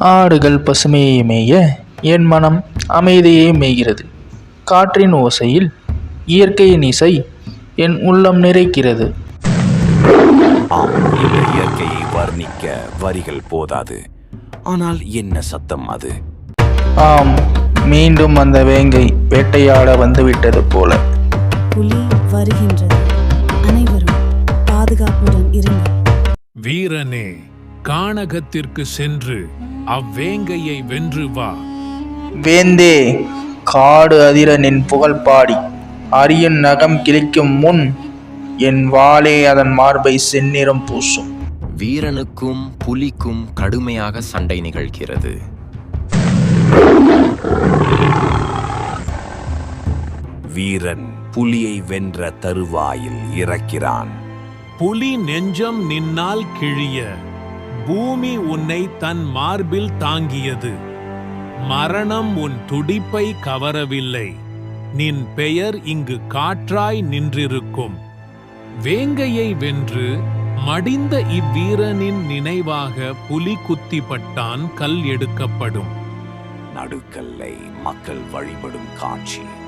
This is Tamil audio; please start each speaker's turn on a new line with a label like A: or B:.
A: ஆடுகள் பசுமையை மேய என் மனம் அமைதியை மேய்கிறது. காற்றின் ஓசையில் இயற்கையின் இசை என் உள்ளம் நிறைக்கிறது.
B: ஆம், இந்த இயற்கையை வர்ணிக்க வரிகள் போதாது. ஆனால் என்ன சத்தம் அது!
A: ஆம், மீண்டும் அந்த வேங்கை வேட்டையாட வந்துவிட்டது போல.
C: புலி வருகின்றது. அனைவரும் பாதுகாப்புடன் இருங்கள்.
D: வீரனே, கானகத்திற்கு சென்று அவ்வேங்கையை வென்று வா.
A: வேந்தே, காடு அதிர நின் புகழ் பாடி அரியன் நகம் கிழிக்கும் முன் என் வாளே அதன் மார்பை செந்நிறம் பூசும்.
B: வீரனுக்கும் புலிக்கும் கடுமையாக சண்டை நிகழ்கிறது. வீரன் புலியை வென்ற தருவாயில் இறக்கிறான்.
D: புலி நெஞ்சம் நின்னால் கிழிய, பூமி உன்னை தன் மார்பில் தாங்கியது. மரணம் உன் துடிப்பை கவரவில்லை. நின் பெயர் இங்கு காற்றாய் நின்றிருக்கும். வேங்கையை வென்று மடிந்த இவ்வீரனின் நினைவாக புலி குத்திப்பட்டான் கல் எடுக்கப்படும்.
B: நடுக்கல்லை மக்கள் வழிபடும் காட்சி.